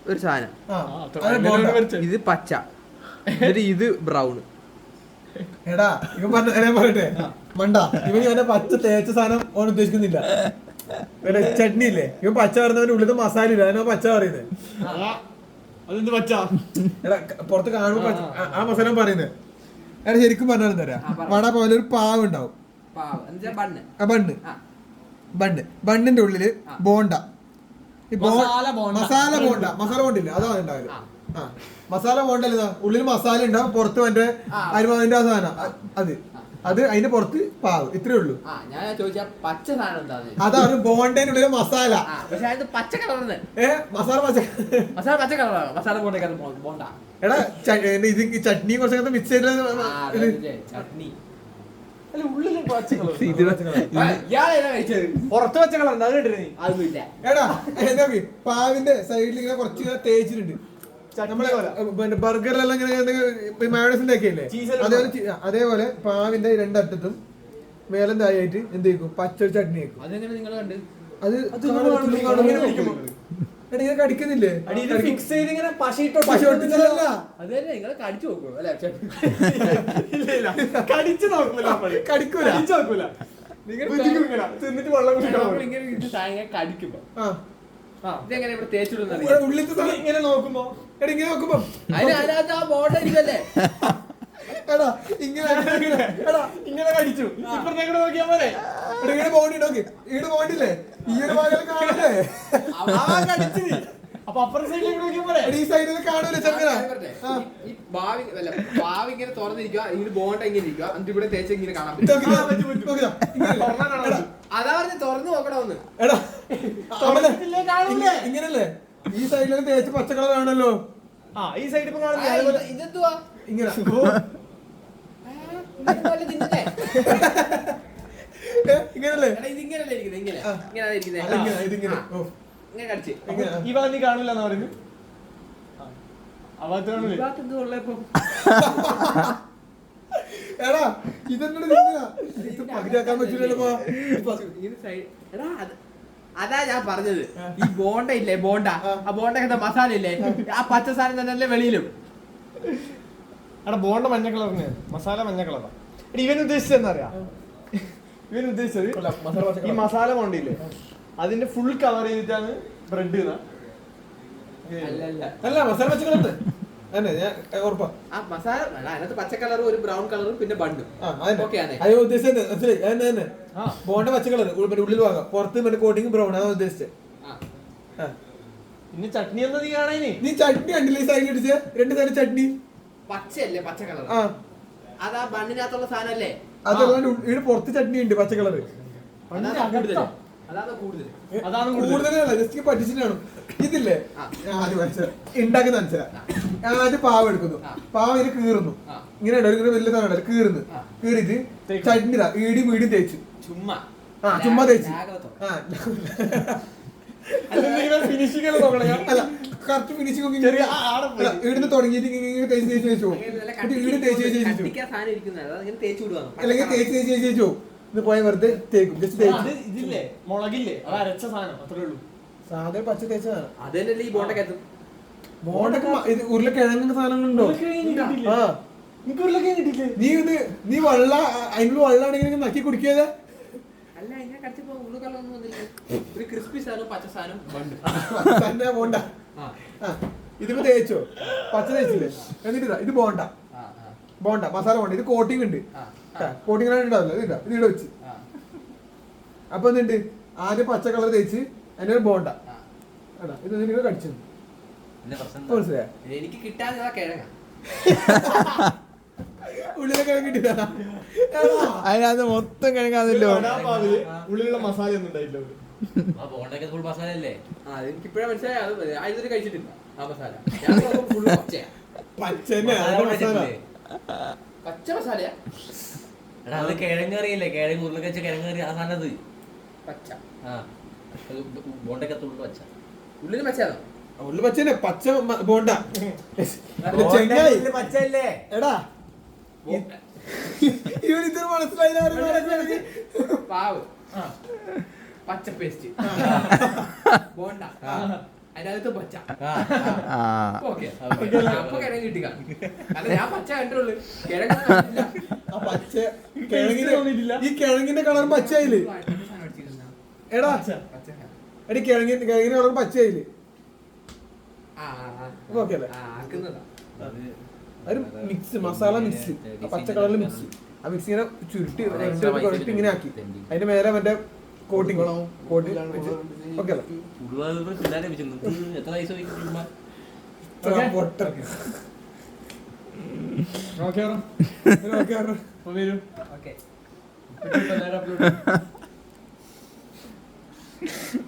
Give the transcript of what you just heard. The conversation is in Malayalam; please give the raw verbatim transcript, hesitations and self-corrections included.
ഒരു സാധനം, ഇത് പച്ച, എന്നിട്ട് ഇത് ബ്രൗൺ. എടാ ഇവൻ പറഞ്ഞ പറയട്ടെ മണ്ട, ഇവൻ ഞാൻ പച്ച തേച്ച സാധനം ഓൻ ഉദ്ദേശിക്കുന്നില്ല. ചട്നി ഇല്ലേ, ഇവൻ പച്ച പറയുന്നവന്റെ ഉള്ളിൽ മസാല ഇല്ല, അതിനാ പച്ച പറയുന്നത്. എടാ പുറത്ത് കാണുമ്പോ ആ മസാല പറയുന്നത്. എടാ ശരിക്കും പറഞ്ഞാലും തരാം, വട പോലെ ഒരു പാവ് ഉണ്ടാവും, ബണ്ണ് ബണ്ണ് ബണ്ണിന്റെ ഉള്ളില് ബോണ്ട, മസാല ബോണ്ട, മസാല ബോണ്ടില്ലേ അതാണ് ഉണ്ടാവില്ല. ആ മസാല ബോണ്ടല്ലേ, ഉള്ളിൽ മസാല ഉണ്ടാവും, പുറത്ത് മറ്റേ അരിമാവിന്റെ ആ സാധനം അത് അത് അതിന്റെ പുറത്ത് പാവ്, ഇത്രേ ഉള്ളൂ. അതാണ് ബോണ്ടേന്റെ ഉള്ളിലെ മസാല. ഏഹ് മസാല പച്ച മസാല പച്ച കളറാണ് മസാല ബോണ്ട. എടാ ഇത് ചട്നി കുറച്ചൊക്കെ മിക്സ് ചെയ്ത് പുറത്ത് പച്ച കളർ എടാ നോക്കി പാവിന്റെ സൈഡിൽ ഇങ്ങനെ കുറച്ച് ഇങ്ങനെ തേച്ചിട്ടുണ്ട്. നമ്മളെ ബർഗറിലെല്ലാം ഇങ്ങനെ മയോണൈസിന്റെ ഒക്കെ ഇല്ലേ, അതേപോലെ അതേപോലെ പാവിന്റെ രണ്ടറ്റത്തും മേലം തായായിട്ട് എന്ത് ചെയ്യും, പച്ച ചട്നി വെക്കും. അത് ഇങ്ങനെ കടിക്കുന്നില്ലേ, കടിക്കൂല തിന്നിട്ട് വെള്ളം ഉള്ളിൽ ഇങ്ങനെ നോക്കുമ്പോ എടാ ഇങ്ങനെ നോക്കുമ്പോ എടാ ഇങ്ങനെ എടാ ഇങ്ങനെ കടിച്ചു, ഇപ്പുറത്തേക്ക് നോക്കിയാ പോലെ ഇങ്ങനെ ബോണ്ടി നോക്കി, ഈട് ബോണ്ടില്ലേ ഈ ഒരു ഭാഗം കാണൂലേ, അപ്പൊ അപ്പുറത്തെ സൈഡിലേക്ക് നോക്കിയാ പോലെ ഈ സൈഡിൽ കാണൂലേ ചെറുക്കന. ഇങ്ങനെ തുറന്നിരിക്കുക, ഇങ്ങനെ ബോണ്ട ഇങ്ങനെ ഇരിക്കുക, എന്നിട്ട് ഇവിടെ തേച്ച് ഇങ്ങനെ കാണാൻ അതാ പറഞ്ഞ തുറന്നു നോക്കണമെന്ന്. എടാ ഇങ്ങനല്ലേ ഈ സൈഡിൽ തേച്ച് പച്ചക്കളർ കാണല്ലോ, ആ ഈ സൈഡ് ഇപ്പൊ കാണുന്നില്ല, ഇതെന്തുവാ ഇങ്ങനെ ഇങ്ങനല്ലേ ഇതിങ്ങനല്ലേ ഇരിക്കുന്നത്, ഇങ്ങനെ ഇതിങ്ങനെ ഇങ്ങനെ കടിച്ച് ഈ ഭാഗം നീ കാണൂല എന്ന് പറയുന്നു. എടാ ഇതെന്നോട് പകുതിയാക്കാൻ പറ്റൂലല്ലോ. അതാ ഞാൻ പറഞ്ഞത്, ഈ ബോണ്ട ഇല്ലേ ബോണ്ട, ആ ബോണ്ട മസാല ഇല്ലേ, ആ പച്ച സാധനം തന്നെ വെളിയിലും. എടാ ബോണ്ട മഞ്ഞ കളറിന്, മസാല മഞ്ഞ കളറാ. ഇവൻ ഉദ്ദേശിച്ചത് എന്താ അറിയാ, ഇവൻ ഉദ്ദേശിച്ചത് ഈ മസാല ബോണ്ടില്ലേ അതിന്റെ ഫുൾ കവർ ചെയ്തിട്ടാണ് ബ്രെഡ്. അല്ല മസാല പച്ചക്കളർ ഉറപ്പാ, ആ മസാല അതിനകത്ത് പച്ച കളറും ഒരു ബ്രൗൺ കളറും പിന്നെ ബണ്ണും. അയ്യോ ഉദ്ദേശിച്ചത് മനസ്സിലായി, അതന്നെ തന്നെ ബോണ്ട പച്ചക്കളർ ഉള്ളിൽ ഭാഗം, പുറത്ത് മറ്റേ കോട്ടിങ് ബ്രൗൺ, അതാണ് ഉദ്ദേശിച്ചത്. ഇനി ചട്നി എന്താ നീ കാണാനി, നീ ചട്നി കണ്ടില്ലേ സൈഡിൽ അടിച്ച രണ്ട് തരം ചട്നി പച്ചയല്ലേ പച്ച കളർ, അതാ ബണ്ണിനകത്തുള്ള സാധനല്ലേ, അതല്ലാണ്ട് ഇവിടെ പുറത്ത് ചട്നി ഉണ്ട് പച്ച കളർ. അതാണ് കൂടുതലല്ല ജസ്റ്റ് പറ്റിച്ചിട്ടാണ്. ഇതില്ലേ ഉണ്ടാക്കുന്ന മനസ്സിലാ, ആദ്യം പാവ് എടുക്കുന്നു, പാവ് ഇതിൽ കീറുന്നു, ഇങ്ങനെ ഇങ്ങനെ വലിയ സാധനം കീറുന്നു, കീറിട്ട് ചട്നി ഈടി വീടി തേച്ചു, ചുമ്മാ ആ ചുമ്മാ തേച്ചു. ഫിനിഷിംഗ് അല്ല കറക്റ്റ് ഫിനിഷിംഗ് ഇവിടുന്ന് തുടങ്ങിയിട്ട് ഇങ്ങനെ തേച്ച് തേച്ച് തേച്ചു പോകും, വീട് തേച്ച് തേച്ച് തേച്ചു പോകും, അല്ലെങ്കിൽ തേച്ച് തേച്ച് തേച്ച് തേച്ചു പോകും. ഇത് പോയ വെറുതെ തേക്കും, ജസ്റ്റ് തേക്കും. ഇതില്ലേ മുളകില്ലേ അത് അരച്ച സാധനം അത്രേ ഉള്ളൂ, സാധാരണ പച്ച തേച്ചതാണ്. അതല്ലേ ഈ ബോണ്ടക്കകത്ത് ബോണ്ടൊക്കെ ഇത് ഉരുളക്കിഴങ്ങിന്റെ സാധനങ്ങളുണ്ടോ? ആ നീ ഇത് നീ വെള്ള അതിനുള്ള വെള്ളമാണെങ്കിൽ നക്കി കുടിക്കാതെ അല്ല ഇങ്ങനെ കടിച്ചപ്പോ ഉള്ളു കള്ളൊന്നും വന്നില്ല, ഒരു ക്രിസ്പി സാധനം പച്ച സാധനം തന്നെ ബോണ്ട. ഇതിപ്പോ തേച്ചോ, പച്ച തേച്ചില്ലേ, എന്നിട്ട് ഇത് ബോണ്ട, ബോണ്ട മസാല ബോണ്ട, ഇത് കോട്ടിങ് ഉണ്ട്, കോട്ടിങ് ഉണ്ടാവില്ല, ഇതില്ല ഇത് ഇവിടെ വെച്ച്. അപ്പൊ എന്തുണ്ട്, ആദ്യം പച്ച കളർ തേച്ച് അതിന്റെ ബോണ്ട ഇത് നിങ്ങൾ കടിച്ചു മനസ്സിലായോ? എനിക്ക് കിട്ടാതെ കിഴങ്ങ ഉള്ളിലെ കിഴങ്ങ് കിട്ടിയതാ, അതിനകത്ത് മൊത്തം കിഴങ്ങാന്നല്ലോ, ഉള്ളിലുള്ള മസാല ഒന്നും ഉണ്ടായില്ല. എനിക്ക് ഇപ്പഴേ മനസ്സിലായി, അത് ഇതുവരെ കഴിച്ചിട്ടില്ല ആ മസാല. പച്ച മസാലയാ, അത് കിഴങ്ങറിയില്ലേ, കിഴങ്ങ് ഉരുളക്കച്ച കിഴങ്ങറി ആ സാധനത് പച്ച ബോണ്ടക്കത്തുള്ളു പച്ച, ഉള്ളിൽ പച്ചയാണോ? ഉള്ളു പച്ചനെ പച്ച ബോണ്ട പച്ചല്ലേ. എടാ ഇവനിത് മനസ്സിലായി, പാവ് പച്ച പേസ്റ്റ് ബോണ്ട അതിനകത്ത് പച്ച ആ ഓക്കെ അപ്പൊ കിഴങ്ങ് കിട്ടിക്ക അല്ല ഞാൻ പച്ച കണ്ടുള്ളൂ കിഴങ്ങ് കണ്ടില്ല. ആ പച്ച കിഴങ്ങിന്റെ ഈ കിഴങ്ങിന്റെ കളർ പച്ചയില് എടാ പച്ച എടി കിഴങ്ങിന്റെ കിഴങ്ങിന്റെ കളർ പച്ചയില് ആ ഓക്കെ അല്ലേ? ആക്കുന്നതാ ഒരു മിക്സ് മസാല മിക്സ് പച്ച കളറിൽ മിക്സ് ആ മിക്സ് ഇങ്ങനെ ചുരുട്ടി കുഴപ്പി ഇങ്ങനെ ആക്കി അതിന്റെ മേലെ മറ്റേ കോട്ടിങ് കോട്ടിങ് ഓക്കെ അല്ലേ? ഉടുവായൂർ പിള്ളേരെ വെച്ചിട്ടുണ്ട്. എത്ര പൈസ വയ്ക്കും ചുമ്മാ? പൊട്ട ഓക്കെ ഓക്കെ വരൂ ഓക്കെ അപ്ലോഡ്